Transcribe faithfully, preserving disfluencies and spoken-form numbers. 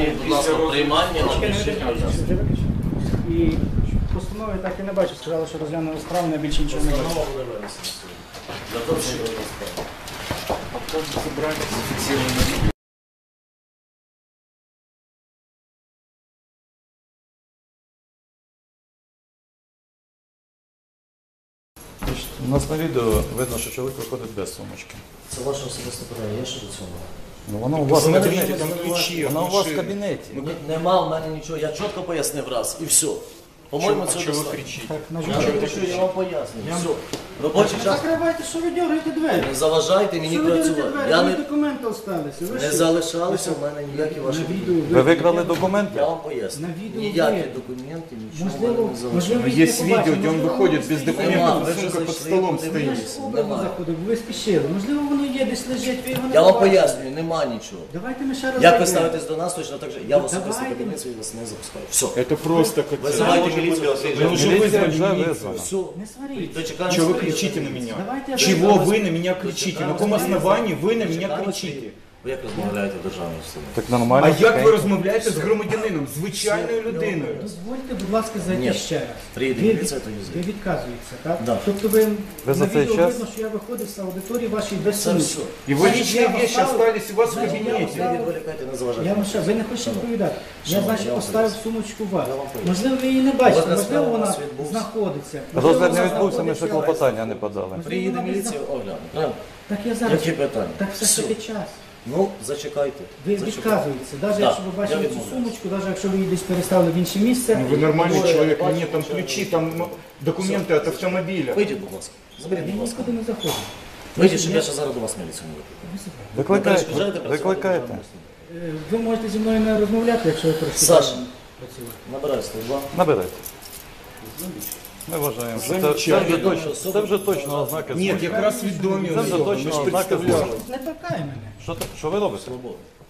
Зверніть, будь ласка, приймання на рішення. І постанови так і не бачу. Сказали, що розглянули справу, на більше нічого не бачу. Постанова буде винесена сьогодні. Для того, щоб забрати зафіксовані. У нас на відео видно, що чоловік виходить без сумочки. Це ваше особисте питання, я що до цього? Ну, вона у вас в кабінеті. Там ключі, Вона у вас в кабінеті. Ні, нема в мене нічого, я чітко пояснив раз і все. По-моєму, це Чого ви достатньо. кричите? Так, на Я жаль. не кричу, я вам пояснюю. Все. Робочий час. Закривайте, що ви дергаєте двері? Не заважайте мені Що ви дергаєте працювати. двері? Я Ви не, документи залишилися. Ви не що? залишалися в мене ніякі ваші На документи. відео Ви викрали документи? Я вам поясню. На відео Ніякі є. документи, нічого в Можливо, мене не залишилося. можливо, Ну, їх есть не видео, побачили, где он можливо, выходит воно без стоїть. Нема, документов, ви а вже сумка под зайшли, столом подивилися. стоит. Образно Нема. заходив, бо ви спішили. Можливо, воно є десь лежить, ви його не Я вам побачили. пояснюю, нема нічого. Давайте ми ще раз Як ви зайдемо. ставитесь до нас, точно так же. Я в особисто Давайте. кабінет свій вас не запускаю. Все. Это просто как... Вызывайте милицию. Вы уже Міліція вызвали вже милицию. визвана. Все. Не сваріть. Дочекаємося. Чего вы кричите на меня? Давайте я Чего зайду. вы на меня кричите? На каком основании вы на меня кричите? Ви як розмовляєте в державній установі? Так нормально. А як ви тихенько. розмовляєте з громадянином, звичайною людиною? Дозвольте, будь ласка, зайти Ні. ще раз. Приїде Ви, міліція, то і ви зайде. відказуєтеся, так? Да. Тобто ви, Ви за на цей відео час- видно, що я виходив з аудиторії вашої без Це сумніву. все. Его Значить, личные я вам вещи ставлю- остались у вас в Значить, я вам кабинете. Не відволікайте, не заважайте. Я вам ще, ви не хочете відповідати. Я, Шановні, значить, я вам поставив поясню. сумочку у вас. Я вам поясню. Можливо, ви її не бачите, Розгляд можливо, справи у вона нас відбувся. знаходиться. Можливо, Розгляд не вона відбувся, ми ще знаходиться. клопотання не подали. Приїде міліція, огляне. Правильно? Так я зараз. Які питання? Так все ж Все. таки час. Ну, зачекайте. Ви Зачекайте. відказуєтеся, навіть Да, якщо ви я бачили цю відмовляюсь. сумочку, навіть якщо ви її десь переставили в інше місце. Ну, вы нормальный Двое, человек, бачу, нет, там ничего. ключи, там ну, документы от автомобиля. Вийдіть, будь ласка. Заберіть, Я будь ласка. нікуди не заходжу. Вийдіть, щоб я ще зараз до вас міліцію не викликав. Викликайте. перешкоджаєте працювати в Викликайте. державній установі? Е, Ви можете зі мною не розмовляти, якщо ви працюєте. Саша. Набирай сто два. Набирайте. Ми вважаємо. що Це, це, вже точно, це вже точно ознаки Нет, злочину. якраз відомі Це вже особи, ми точно ж ознаки представляли. злочину. Не торкай мене. Що, ти- що ви робите? Свобода.